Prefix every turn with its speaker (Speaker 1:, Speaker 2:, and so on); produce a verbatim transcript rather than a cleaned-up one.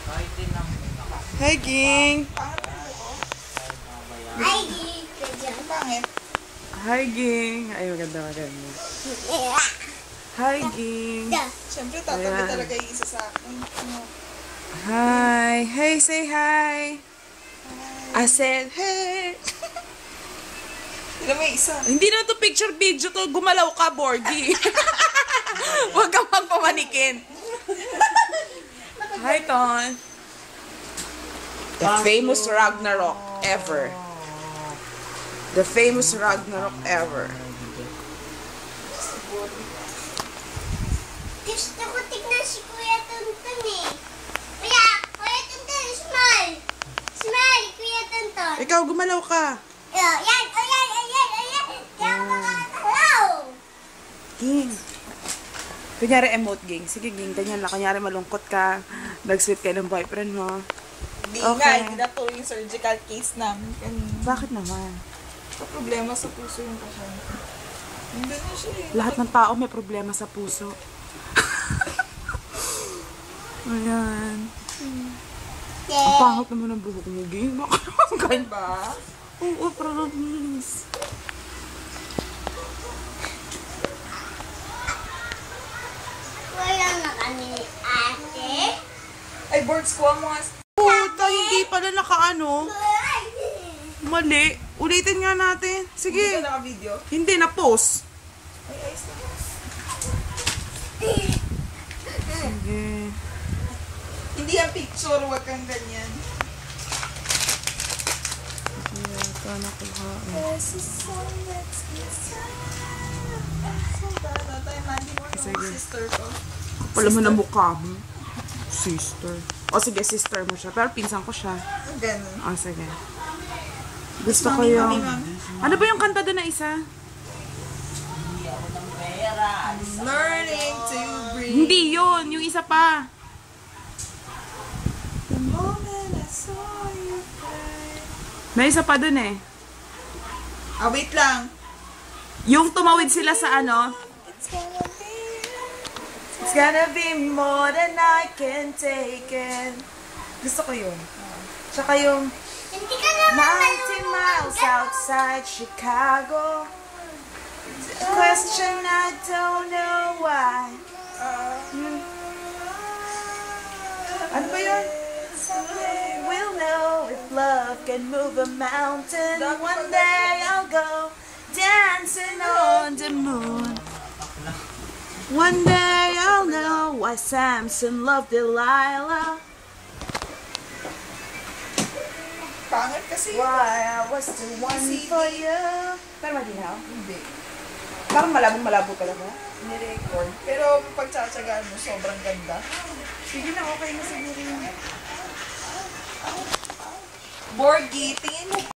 Speaker 1: Hi, Ging.
Speaker 2: Hi, Ging. Pangit.
Speaker 1: Hi, Ging. Ay, maganda, maganda. Hi, Ging.
Speaker 2: Siyempre, tatabi talaga yung isa sa akin.
Speaker 1: Hi. Hey, say hi. I said, hey.
Speaker 2: Sila may isa.
Speaker 1: Hindi na to picture video to. Gumalaw ka, Borgie. Huwag kang magpamanikin. Hi, Ton. The famous Ragnarok ever. The famous Ragnarok ever.
Speaker 3: Gusto ko tignan si Kuya Tonton eh. Kuya, Kuya Tonton, smile. Smile, Kuya Tonton.
Speaker 1: Ikaw, gumalaw ka.
Speaker 3: Yan, yan, ayan, ayan, ayan. Yan makakalaw.
Speaker 1: Ging. Kunyari emote, Ging. Sige, Ging. Ganyan lang. Kunyari malungkot ka. Nag-sweet kayo ng boyfriend mo.
Speaker 2: Hindi
Speaker 1: Okay.
Speaker 2: nga, hindi na tuloy yung surgical case namin. Kanina.
Speaker 1: Bakit naman?
Speaker 2: Sa problema sa puso yung pasyente. Hindi na siya eh.
Speaker 1: Lahat ng tao may problema sa puso. Ayan. Ang pangit naman ang buhok mo, Ging. Bakit naman ganyan?
Speaker 2: Ba?
Speaker 1: Oo, promise.
Speaker 3: Wala na kami ni ate.
Speaker 2: Ay, boards ko ang mga...
Speaker 1: Puta, hindi pala nakaano. Mali. Ulitin nga natin.
Speaker 2: Hindi
Speaker 1: Sige.
Speaker 2: ka naka-video?
Speaker 1: Hindi, na-post.
Speaker 2: Ay, ayos na.
Speaker 1: Sige.
Speaker 2: Hindi ang picture, wag kang ganyan.
Speaker 1: Hindi ata nakuha.
Speaker 2: This is so let's get started. Tayo, Mandy, mo yung
Speaker 1: Sige.
Speaker 2: sister ko.
Speaker 1: Pala mo na mukha mo. Sister. O sige, sister mo siya. Pero pinsan ko siya.
Speaker 2: Ganun.
Speaker 1: O sige. Gusto ko
Speaker 2: Mami,
Speaker 1: yung...
Speaker 2: mami, mami.
Speaker 1: Ano ba yung kanta doon na isa?
Speaker 2: Learning to breathe.
Speaker 1: Hindi yun. Yung isa pa.
Speaker 2: The moment I saw you cry.
Speaker 1: May isa pa doon eh.
Speaker 2: Ah, wait lang.
Speaker 1: Yung tumawid sila sa ano.
Speaker 2: It's gonna be...
Speaker 1: It's gonna be more than I can take it. Gusto ko yun. Tsaka yung
Speaker 3: Hindi ka naman
Speaker 1: ninety miles outside Chicago. Question I don't know why. Hmm. Ano ba yun? Someday we'll know if love can move a mountain. One day I'll go dancing on the moon. One day I'll know why Samson loved Delilah.
Speaker 2: Pangit kasi.
Speaker 1: Why I was the one
Speaker 2: C D.
Speaker 1: for you. Pero malinaw?
Speaker 2: Hindi.
Speaker 1: Parang malabong-malabo talaga.
Speaker 2: Ni-record. Pero pag tsatsagaan mo, sobrang ganda.
Speaker 1: Sige na, okay na siguro yun.
Speaker 2: Borgie, tingin mo